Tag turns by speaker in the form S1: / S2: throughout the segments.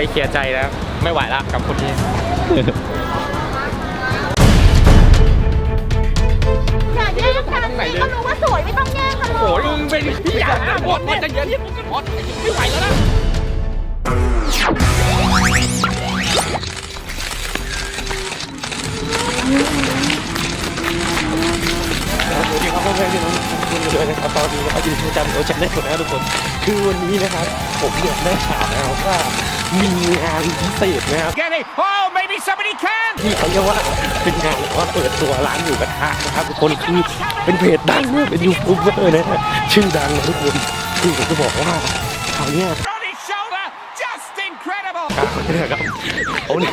S1: เคลียร์ใจแล้วไม่ไหวละกับคนนี้
S2: อย่าแย่งกันสิก็รู้ว่าสวยไม่ต้องแย่งกันหรอก
S1: โอ้ยมึงเป็นพี่อยากนะบอสจะเยอะที่บอสไม่ไหวแล้วนะสวัสดีครับเพื่อนๆที่น้องทุกคนเลยนะครับตอนนี้นะครับอยู่ที่จันทร์โอเชียนได้หมดนะครับทุกคนคือวันนี้นะครับผมอยากได้ข่าวนะครับว่ามีงานพิเศษนะครับ
S3: Oh, maybe somebody can.
S1: ที่เขาเรียกว่าเป็นงานว่าเปิดตัวร้านหมูกระทะนะครับทุกคนคือเป็นเพจดังเป็นยูทูบเบอร์นะฮะชื่อดังนะทุกคนคือผมจะบอกว่าคราวนี้
S3: On his shoulder, just incredible.
S1: ครับโอ้ย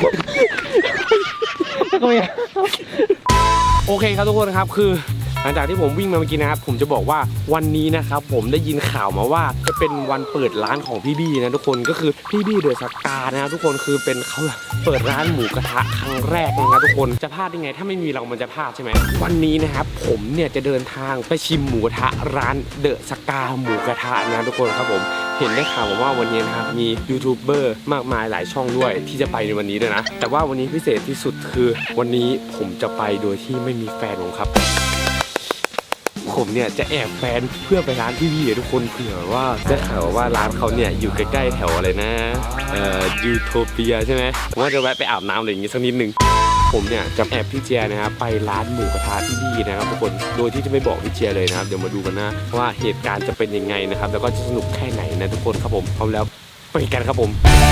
S1: โอเคครับทุกคนครับคือหลังจากที่ผมวิ่งมาเมื่อกี้นะครับผมจะบอกว่าวันนี้นะครับผมได้ยินข่าวมาว่าจะเป็นวันเปิดร้านของพี่บี้นะทุกคนก็คือพี่บี้เดอะสกานะครับทุกคนคือเป็นเขาเปิดร้านหมูกระทะครั้งแรกนะครับทุกคนจะพลาดได้ไงถ้าไม่มีเรามันจะพลาดใช่ไหมวันนี้นะครับผมเนี่ยจะเดินทางไปชิมหมูกระทะร้านเดอะสกาหมูกระทะนะทุกคนครับผมเห็นได้ข่าวว่าวันนี้นะครับมียูทูบเบอร์มากมายหลายช่องด้วยที่จะไปในวันนี้ด้วยนะแต่ว่าวันนี้พิเศษที่สุดคือวันนี้ผมจะไปโดยที่ไม่มีแฟนผมครับผมเนี่ยจะแอบแฟนเพื่อไปร้านพี่บี้ทุกคนเผื่อว่าจะข่าวว่าร้านเขาเนี่ยอยู่ใกล้ๆแถวอะไรนะยูโทเปียใช่ไหมผมว่าจะแวะไปอาบน้ำอะไรอย่างงี้สักนิดนึงผมเนี่ยจะแอบพี่เจียนะครับไปร้านหมูกระทะพี่บี้นะครับทุกคนโดยที่จะไม่บอกพี่เจียเลยนะครับเดี๋ยวมาดูกันนะว่าเหตุการณ์จะเป็นยังไงนะครับแล้วก็จะสนุกแค่ไหนนะทุกคนครับผมพร้อมแล้วไปกันครับผม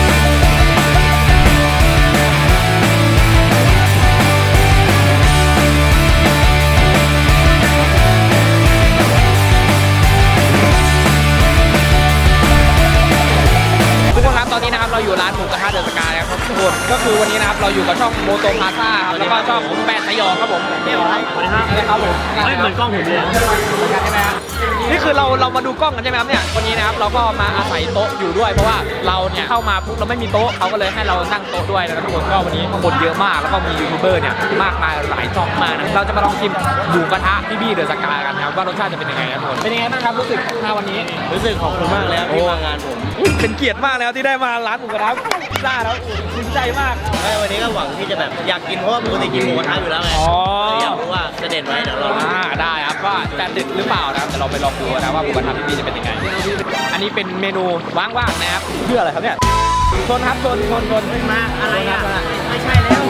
S1: ตอนนี้นะครับเราอยู่ร้านหมูกระทะเดอะสกาแล้วครับทุกคนก็คือวันนี้นะครับเราอยู่กับช่องโมโตพาซ่าครับแล้วก็ช่องแปดสยองครับผมเดี๋ยวอะไรครับผมไม่เหมือนกล้องผมเลยใช่ไหมครับนี่คือเรามาดูกล้องกันใช่ไหมครับเนี่ยวันนี้นะครับเราก็มาอาศัยโต๊ะอยู่ด้วยเพราะว่าเราเนี่ยเข้ามาปุ๊บเราไม่มีโต๊ะเขาก็เลยให้เรานั่งโต๊ะด้วยนะครับทุกคนก็วันนี้คนเยอะมากแล้วก็มียูทูบเบอร์เนี่ยมากมายหลายช่องมากนะเราจะมาลองชิมหมูกระทะพี่บี้เดอะสกากันนะครับว่ารสชาติจะเป็นยังไงครับทุกคนเป็นยังไงบ้างครับรู้สึกวันนี้รู้สึกขอบคุณมากแล้วที่มางานผมเป็นเกียรติมากแล้วที่ได้มาร้านหมูกระทะได้แล้วดีใจมาก
S4: วันนี้ก็หวังที่จะแบบอยากกินเพราะว่าปกติกินหมูกระทะอยู่แล้วไงอยากรู้ว่าจะเด็ดไหมเดี๋ยวเรา
S1: ได้ครับว่าจะเด็ดหรือเปล่านะครับแต่เราไปลองดูนะว่าหมูกระทะพี่บี้จะเป็นยังไงอันนี้เป็นเมนูว่างๆนะครับเพื่ออะไรครับเนี่ยชนครับชน
S4: มาอะไรอ่ะไม่ใช่แล้ว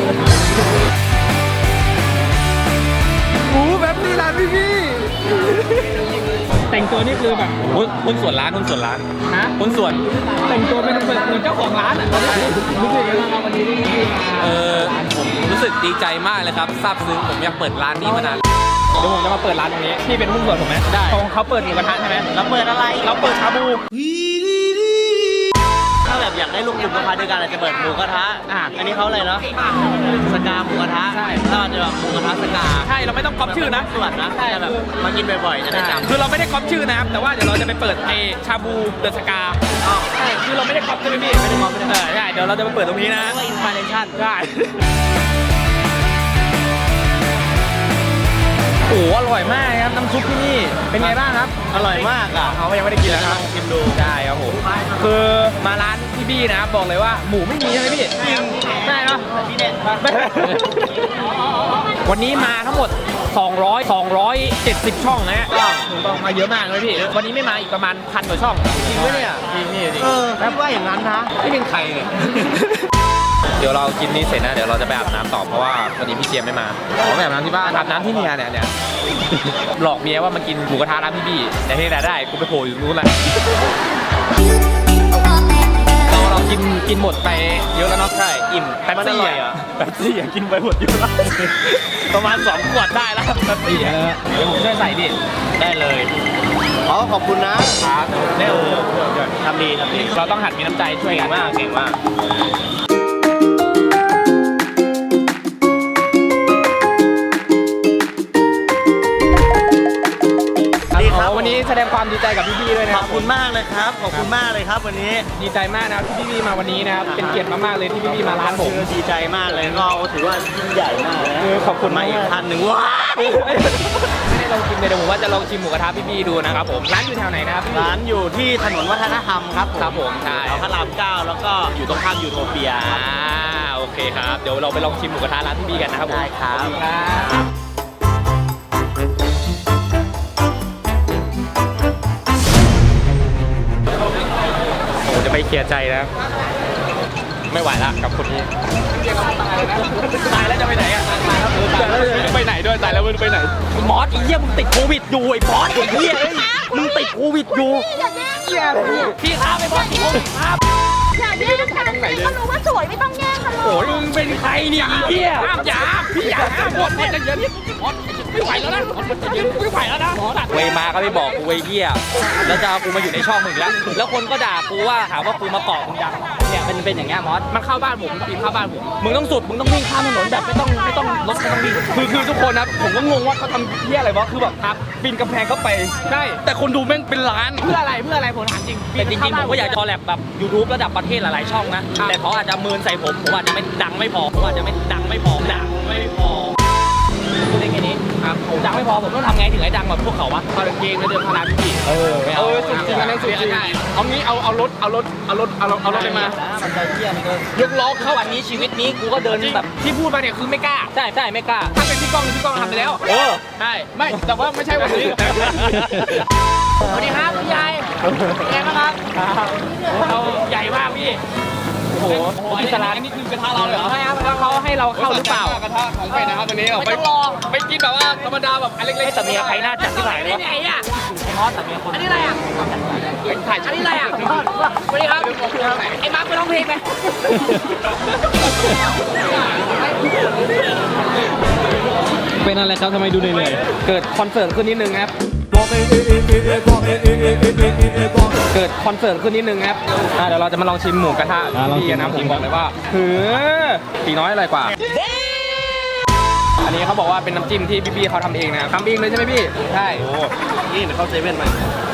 S1: หมูแบบนี้ร้านพี่บี้แต่งตัวนี่คือแบบหุ้นส่วนร้านฮะหุ้นส่วนแต่งตัวเป็นเหมือนเจ้าของร้านอ่ะรู้สึกยังไงบ้างวันนี้
S5: ผมรู้สึกดีใจมากเลยครับซาบซึ้งผมอยากเปิดร้านนี้มานาน
S1: เดี๋ยวผมจะมาเปิดร้านตรงนี้พี่เป็นหุ้นส่วนผมไหมได้เขาเปิดหมูกระทะใช่ไหม
S4: เราเปิดอะไร
S1: เราเปิดชาบู
S4: ถ้าแบบอยากได้ลูกหมูกระทะด้วยกันอาจจะเปิดหมูกระทะอันนี้เขาอะไรเนาะสกาหมูกระทะ
S1: ใช่
S4: ถ้าจะแบบหมูกระทะสกา
S1: ใช่เราไม่ต้องก๊อปชื่อนะ
S4: ส่วนนะแต่แบบมากินบ่อยๆจะได้จำ
S1: คือเราไม่ได้ก๊อปชื่อนะครับแต่ว่าเดี๋ยวเราจะไปเปิดชาบูเดอะสกาใช่คือเราไม่ได้ก๊อปใช่ไหมพี่ไม่ได้ก๊อปใช่เดี๋ยวเราจะไปเปิดตรงนี้นะ
S4: อินสปิเรชั่น
S1: ใช่โอ้อร่อยมากครับน้ำซุปที่นี่เป็นไงบ้างครับ
S4: อร่อยมากอ่ะ
S1: เขายังไม่ได้กินแล้วครับ
S4: ชิมดู
S1: ได้ครับผมคือมาร้านพี่บี้นะครับบอกเลยว่าหมูไม่มีใช่ไหมพี่ได้เนาะ
S4: ที่เด็ด
S1: วันนี้มาทั้งหมด270 ช่องนะฮะก็ต้องมาเยอะมากเลยพี่วันนี้ไม่มาอีกประมาณ1,000 กว่าช่อง
S4: จริงไหมเนี่ย
S1: จริงนี่
S4: แล้วว่าอย่างนั้นนะ
S1: ไม่เป็นใครเนี่ยเดี๋ยวเรากินนี้เสร็จนะเดี๋ยวเราจะไปอาบน้ำต่อเพราะว่าวันนี้พี่เจียมไม่มาเราไปอาบน้ำที่บ้านอาบน้ำที่เมียเนี่ยหลอกเมียว่ามากินหมูกระทะร้านพี่บี้แต่ที่ไหนได้กูไปโผล่อยู่นู้นแหละเรากินหมดไปเยอะแล้วเนาะใช่อิ่มแป๊บซี่กินไปหมดเยอะแล้วประมาณ2 ขวดได้แล้วแป๊บซี่เดี๋ยวผมช่วยใส่ดิ
S4: ได้เลยขอบคุณนะครับ
S1: ได้
S4: ทำดี
S1: เราต้องหัดมีน้ำใจช่วยกันมาก
S4: เก่งมาก
S1: วันนี้แสดงความดีใจกับพี่บี้ด้วยนะครับ
S4: ขอบคุณมากเลยครับขอบคุณมากเลยครับวันนี้
S1: ดีใจมากนะที่พี่บี้มาวันนี้นะครับเป็นเกียรติมากๆเลยที่พี่บี้มาร้านผม
S4: ดีใจมากเลยก็ถือว่ายิ่งใหญ่มากเลย
S1: ขอบคุณ
S4: มาอีกท่านหนึ่งว้า
S5: ลองชิมเลยเดี๋ยวผมว่าจะลองชิมหมูกระทะพี่บี้ดูนะครับผมร้านอยู่แถวไหนนะครับพี่
S4: ร้านอยู่ที่ถนนวัฒนธรรมครับ
S5: ครับผมใช่
S4: แถวพระราม 9 แล้วก็อยู่ตรงข้ามยูโทเปียครับ
S5: โอเคครับเดี๋ยวเราไปลองชิมหมูกระทะร้านพี่บี้กันนะครับผม
S4: ได้ครับ
S5: ขอณครับผมจะไปเคลียร์ใจแล้วไม่ไหวละกับคนนี้ตายแล้วจะไปไหนอ่ะตายแล้วไปไหนด้วยตายแล้วไม่รู้ไปไหน
S4: มอสไอ้เหี้ยมึงติดโควิดอยู่ไอ้บอสไอ้เหี้ยเอ้ยมึงติดโควิดอยู่
S2: อย่าแย่งกัน
S4: พี่ครับไอ้บอสติดโควิดครับ
S2: อย่าแย่งกันเขารู้ว่าสวยไม่ต้องแย่งกันเลย
S5: โอ้ยมึงเป็นใครเนี่ยไอ้เหี้ยห้ามอย่าพี่อย่าห้ามหมดจะเย็นไม่ไหวแล้วนะไม่ไหวแล้วนะเวมาก็ไม่บอกกูเวเหี้ยแล้วจะเอากูมาอยู่ในช่องมึงแล้วแล้วคนก็ด่ากูว่าหาว่ากูมาเกาะมึงดังเนี่ยเป็นอย่างเงี้ยมอสมันเข้าบ้านผมปีนเข้าบ้านผมมึงต้องสุดมึงต้องวิ่งข้ามถนนแบบไม่ต้องรถไม่ต้องวิ่งคือทุกคนนะผมก็งงว่าเขาทำเหี้ยอะไรวะคือแบบครับปีนกำแพงเข้าไปใช่แต่คนดูแม่งเป็นล้านเพื่ออะไรผมถามจริงแต่จริงๆผมก็อยากจะคอลแลบแบบ YouTube ระดับประเทศหลายๆช่องนะแต่เขาอาจจะเมินใส่ผมอาจจะไม่ดังไม่พอผมอาจจะไม่ดังไม่พอดังไม่พอพูดได้แค่นี้ครับผมดังไม่พอผมต้องทำไงถึงให้ดังแบบพวกเขาวะเอาเกงแล้วเดินพาราพี่ไม่เอาสุดจริงอันนี้สุดจริงเอางี้เอารถเลยมา
S4: มันจะเหี้ยมันก็
S5: ยกล้อเข้า
S4: วันนี้ชีวิตนี้กูก็เดินแบบ
S5: ที่พูดมาเนี่ยคือไม่กล้า
S4: ใช่ไม่กล้า
S5: ถ้าเป็นพี่ก้องทำไปแล้ว ใช่ไม่แต่ว่าไม่ใช่วันนี้
S4: สวัสดีครับพี่ใหญ่แกนะครับ
S5: เราใหญ่มากพี่โอ้โหอิสระอันนี้คือกระทะเราเหรอใช่ครับแล้วเขาให้เราเข้าหรือเปล่ากระทะของใครนะครับวันนี้ไม่ต้องรอไปกินแบบว่าธรรมดาแบบอันเล็กๆ
S4: แต่เมียใครน่าจัดที่ไหนวะ
S5: ไหนอ่ะ
S4: ไอ้มอสแต่เมียคน
S5: อันนี้อะไรอ่ะถ่ายอันนี้อะไรอ่ะสวัสดีครับไอ้มาร์คไปร้องเพลงไหมเป็นอะไรครับทำไมดูเหนื่อยๆเกิดคอนเสิร์ตขึ้นนิดนึงครับเกิดคอนเสิร์ตขึ้นนิดนึงครับเดี๋ยวเราจะมาลองชิมหมูกระทะพี่กันนะผมบอกเลยว่าตีน้อยอร่อยกว่า อันนี้เขาบอกว่าเป็นน้ำจิ้มที่พี่ๆเขาทำเองนะครับทำเองเลยใช่ไหมพี่ใช่นี่เขาเซเว่นมา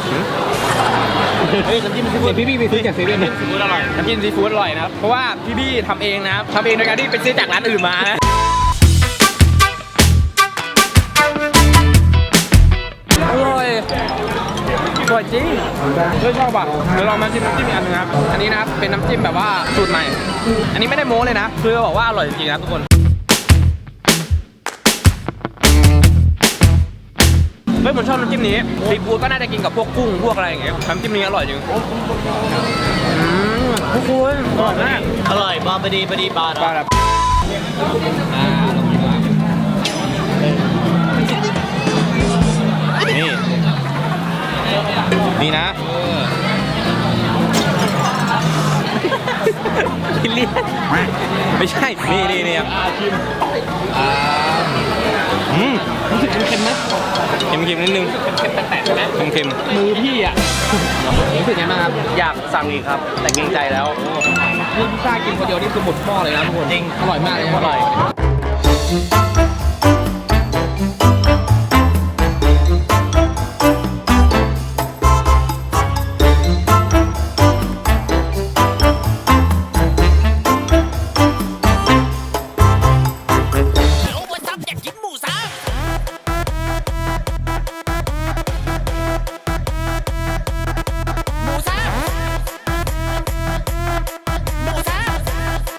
S5: เฮ้ยน้ำจิ้มซีฟู้ดพี่ไปซื้อจากเซเว่นซีฟู้ดอร่อยน้ำจิ้มซีฟู้ดอร่อยนะครับเพราะว่าพี่ๆทำเองนะครับทำเองโดยการที่ไปซื้อจากร้านอื่นมานะอร่อยจริงชอบอ่ะเดี๋ยวเรามาชิมน้ำจิ้มอีกอันนึงครับอันนี้นะครับเป็นน้ำจิ้มแบบว่าสูตรใหม่อันนี้ไม่ได้โม้เลยนะคือบอกว่าอร่อยจริงๆนะทุกคนเฮ้ยผมชอบน้ำจิ้มนี้ซีฟู้ดก็น่าจะกินกับพวกกุ้งพวกอะไรอย่างเงี้ยน้ำจิ้มนี้อร่อยจริงทุกคนอร่อยมาก
S4: อร่อยบอลพอดีบาท
S5: ปลาแบบนี่นะกินเลี่ยนไม่ใช่นี่ครับรู้สึกเค็มไหมเค็มนิดนึงเค็มแตกๆใช่ไหมเค็มมือพี่อ่ะรู้สึกไงบ้างครับอยากสั่งอีกครับแต่เกรงใจแล้วนี่พิซซ่ากินคนเดียวนี่คือหมดหม้อเลยนะทุกคนจริงอร่อยมากเลยอร่อย